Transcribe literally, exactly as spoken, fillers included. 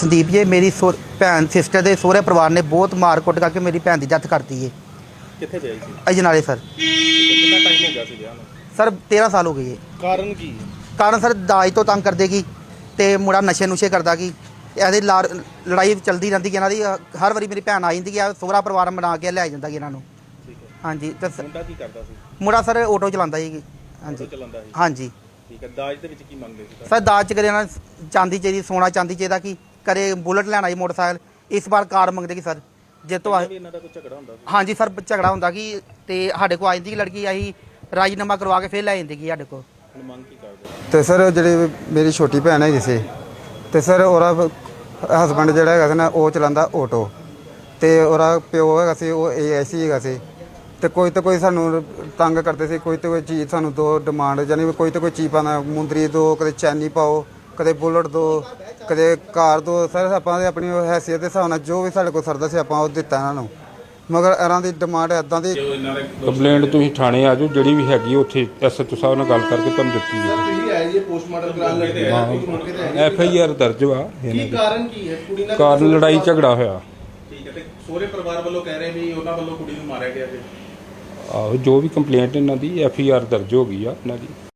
ਸੰਦੀਪ ਜੀ ਮੇਰੀ ਸੋ ਭੈਣ ਸਿਸਟਰ ਦੇ ਸਹੁਰੇ ਪਰਿਵਾਰ ਨੇ ਬਹੁਤ ਮਾਰ ਕੁੱਟ ਕਰਕੇ ਮੇਰੀ ਭੈਣ ਦੀ ਡੈਥ ਕਰਤੀ ਹੈ। ਕਿੱਥੇ ਵਿਆਹੀ ਸੀ? ਅਜਨਾਲੇ ਸਰ। ਕਿੰਨਾ ਟਾਈਮ ਹੋ ਗਿਆ ਸੀ ਵਿਆਹ ਨੂੰ? ਸਰ ਤੇਰ੍ਹਾਂ ਸਾਲ ਹੋ ਗਏ ਹੈ। ਕਾਰਨ ਕੀ ਹੈ? ਕਾਰਨ ਸਰ ਦਾਜ ਤੋਂ ਤੰਗ ਕਰਦੇ ਕੀ ਤੇ ਮੁੰਡਾ ਨਸ਼ੇ ਨੁਸ਼ੇ ਕਰਦਾ ਕੀ ਇਹਦੀ ਲਾਰ ਲੜਾਈ ਚੱਲਦੀ ਰਹਿੰਦੀ ਕਿ ਇਹਨਾਂ ਦੀ ਹਰ ਵਾਰੀ ਮੇਰੀ ਭੈਣ ਆ ਜਾਂਦੀ ਕਿ ਸਹੁਰਾ ਪਰਿਵਾਰ ਬਣਾ ਕੇ ਲੈ ਜਾਂਦਾ ਕਿ ਇਹਨਾਂ ਨੂੰ। ਠੀਕ ਹੈ। ਹਾਂਜੀ ਤੇ ਸ- ਮੁੰਡਾ ਕੀ ਕਰਦਾ ਸੀ? ਮੁੰਡਾ ਸਰ ਆਟੋ ਚਲਾਉਂਦਾ ਜੀ। ਹਾਂਜੀ ਆਟੋ ਚਲਾਉਂਦਾ ਸੀ। ਹਾਂਜੀ ਠੀਕ ਹੈ। ਦਾਜ ਦੇ ਵਿੱਚ ਕੀ ਮੰਗਦੇ ਸੀ? ਸਰ ਦਾਜ ਚ ਕਰੇ ਇਹਨਾਂ ਚਾਂਦੀ ਚਾਹੀਦੀ ਸੋਨਾ ਚਾਂਦੀ ਚਾਹੀਦਾ ਕਿ ਕਰੇ ਬੁਲਟ ਲੈਣਾ ਜੀ ਮੋਟਰਸਾਈਕਲ ਇਸ ਵਾਰ ਕਾਰ ਮੰਗਦੇ ਕਿ ਸਰ ਜੇ ਤੋਂ ਪਹਿਲਾਂ ਵੀ ਇਹਨਾਂ ਦਾ ਕੋਈ ਝਗੜਾ ਹੁੰਦਾ ਸੀ? ਹਾਂਜੀ ਸਰ ਝਗੜਾ ਹੁੰਦਾ ਕਿ ਤੇ ਸਾਡੇ ਕੋਲ ਆ ਜਾਂਦੀ ਕਿ ਲੜਕੀ ਆਹੀ ਰਾਜੀਨਾਮਾ ਕਰਵਾ ਕੇ ਫਿਰ ਲੈ ਜਾਂਦੀ ਕਿ ਸਾਡੇ ਕੋਲ। ਹੁਣ ਮੰਗ ਕੀ ਕਰਦੇ? ਤੇ ਸਰ ਜਿਹੜੀ ਮੇਰੀ ਛੋਟੀ ਭੈਣ ਹੈਗੀ ਸੀ ਤੇ ਸਰ ਉਹਦਾ ਹਸਬੰਡ ਜਿਹੜਾ ਹੈਗਾ ਸੀ ਨਾ ਉਹ ਚਲਾਉਂਦਾ ਆਟੋ ਤੇ ਉਹਦਾ ਪਿਓ ਹੈਗਾ ਸੀ ਉਹ ਏ ਐਸ ਸੀ ਹੈਗਾ ਸੀ ਤੇ ਕੋਈ ਤਾਂ ਕੋਈ ਸਾਨੂੰ ਤੰਗ ਕਰਦੇ ਸੀ। ਕੋਈ ਤਾਂ ਕੋਈ ਚੀਜ਼ ਸਾਨੂੰ ਦੋ ਡਿਮਾਂਡ ਯਾਨੀ ਕੋਈ ਤਾਂ ਕੋਈ ਚੀਜ਼ ਪਾਉਂਦਾ ਮੁੰਦਰੀ ਦੋ ਕਦੇ ਚੈਨੀ ਪਾਓ ਕਦੇ ਬੁਲਟ ਦੋ ਕਦੇ ਕਾਰ ਦੋ। ਸਰ ਆਪਾਂ ਆਪਣੀ ਹੈਸੀਅਤ ਦੇ ਹਿਸਾਬ ਨਾਲ ਜੋ ਵੀ ਸਾਡੇ ਕੋਲ ਸਰਦਾ ਸੀ ਆਪਾਂ ਉਹ ਦਿੱਤਾ ਇਹਨਾਂ ਨੂੰ ਮਗਰ ਇਹਨਾਂ ਦੀ ਡਿਮਾਂਡ ਇੱਦਾਂ ਦੀ। ਕੰਪਲੇਂਟ ਤੁਸੀਂ ਥਾਣੇ ਆ ਜਾਓ ਜਿਹੜੀ ਵੀ ਹੈਗੀ ਉੱਥੇ ਐਸ ਐਚ ਓ ਸਾਹਿਬ ਨਾਲ ਗੱਲ ਕਰਕੇ ਤੁਹਾਨੂੰ ਦਿੱਤੀ ਸਰ ਤੁਸੀਂ ਆਏ ਜੀ ਪੋਸਟਮਾਰਟਮ ਕਰਾਉਣ ਲੱਗੇ ਹਾਂ ਐਫ ਆਈ ਆਰ ਦਰਜ ਵਾ ਕੀ ਕਾਰਨ ਕੀ ਹੈ? ਕੁੜੀ ਨਾਲ ਕਾਰਨ ਲੜਾਈ ਝਗੜਾ ਹੋਇਆ। ਠੀਕ ਹੈ। ਤੇ ਸਹੁਰੇ ਪਰਿਵਾਰ ਵੱਲੋਂ ਕਹਿ ਰਹੇ ਵੀ ਉਹਨਾਂ ਵੱਲੋਂ ਕੁੜੀ ਨੂੰ ਮਾਰਿਆ ਗਿਆ ਜੀ। ਆਹੋ ਜੋ ਵੀ ਕੰਪਲੇਂਟ ਇਹਨਾਂ ਦੀ ਐਫ ਆਈ ਆਰ ਦਰਜ ਹੋ ਗਈ ਆ ਇਹਨਾਂ ਦੀ।